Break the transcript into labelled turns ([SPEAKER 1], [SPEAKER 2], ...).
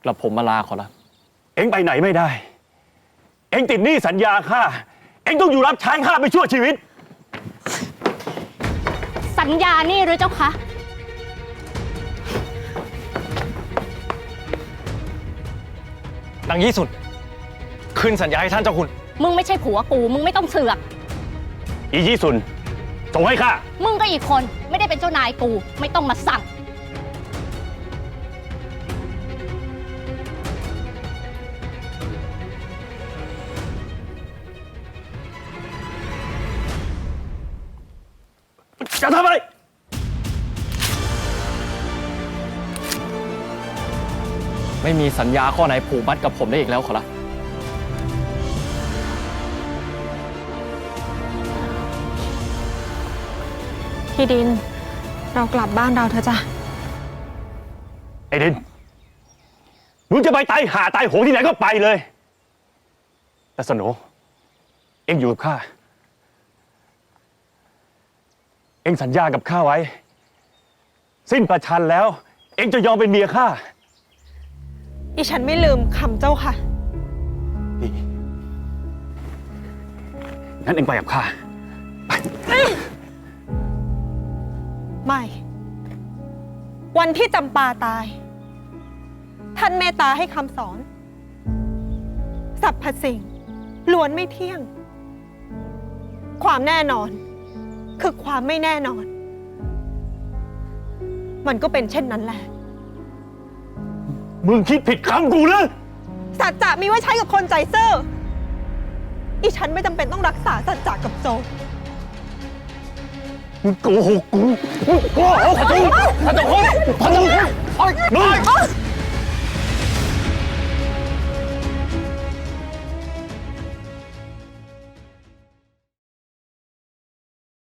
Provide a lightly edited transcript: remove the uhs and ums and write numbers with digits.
[SPEAKER 1] กระผมมาลาขอรับ
[SPEAKER 2] เอ็งไปไหนไม่ได้ เอ็งติดหนี้สัญญาข้า เอ็งต้องอยู่รับใช้ข้าไปชั่วชีวิต
[SPEAKER 3] สัญญานี่หรือเจ้าคะ
[SPEAKER 1] นางยี่สุดคืนสัญญาให้ท่านเจ้าคุณ
[SPEAKER 3] มึงไม่ใช่ผัวกูมึงไม่ต้องเสือก
[SPEAKER 2] อียี่สุนส่งให้ข้า
[SPEAKER 3] มึงก็อีกคนไม่ได้เป็นเจ้านายกูไม่ต้องมาสั่ง
[SPEAKER 2] จะทำอะไร
[SPEAKER 1] ไม่มีสัญญาข้อไหนผูกมัดกับผมได้อีกแล้วขอรับ
[SPEAKER 4] พี่ดินเรากลับบ้านเราเถอะจ้ะ
[SPEAKER 2] ไอ้ดินมึงจะไปตายหาตายโหงที่ไหนก็ไปเลยแต่สโหนเอ็งอยู่กับข้าเอ็งสัญญากับข้าไว้ สิ้นประชันแล้ว เอ็งจะยอมเป็นเมียข้า
[SPEAKER 4] อีฉันไม่ลืมคำเจ้าค่ะ
[SPEAKER 2] ดีงั้นเอ็งไปกับข้าไป
[SPEAKER 4] ไม่ วันที่จำปาตาย ท่านเมตตาให้คำสอนสรรพสิ่งล้วนไม่เที่ยง ความแน่นอนคือความไม่แน่นอน มันก็เป็นเช่นนั้นแหละ
[SPEAKER 2] มึงคิดผิดคำกูเลย
[SPEAKER 4] สัจจะมีไว้ใช้กับคนใจซื่ออีฉันไม่จำเป็นต้องรักษาสัจจะกับโจร
[SPEAKER 2] มึงโกหกกูมึงโกหกกูพระเจ้าคุณพระเจ้าคุณมึง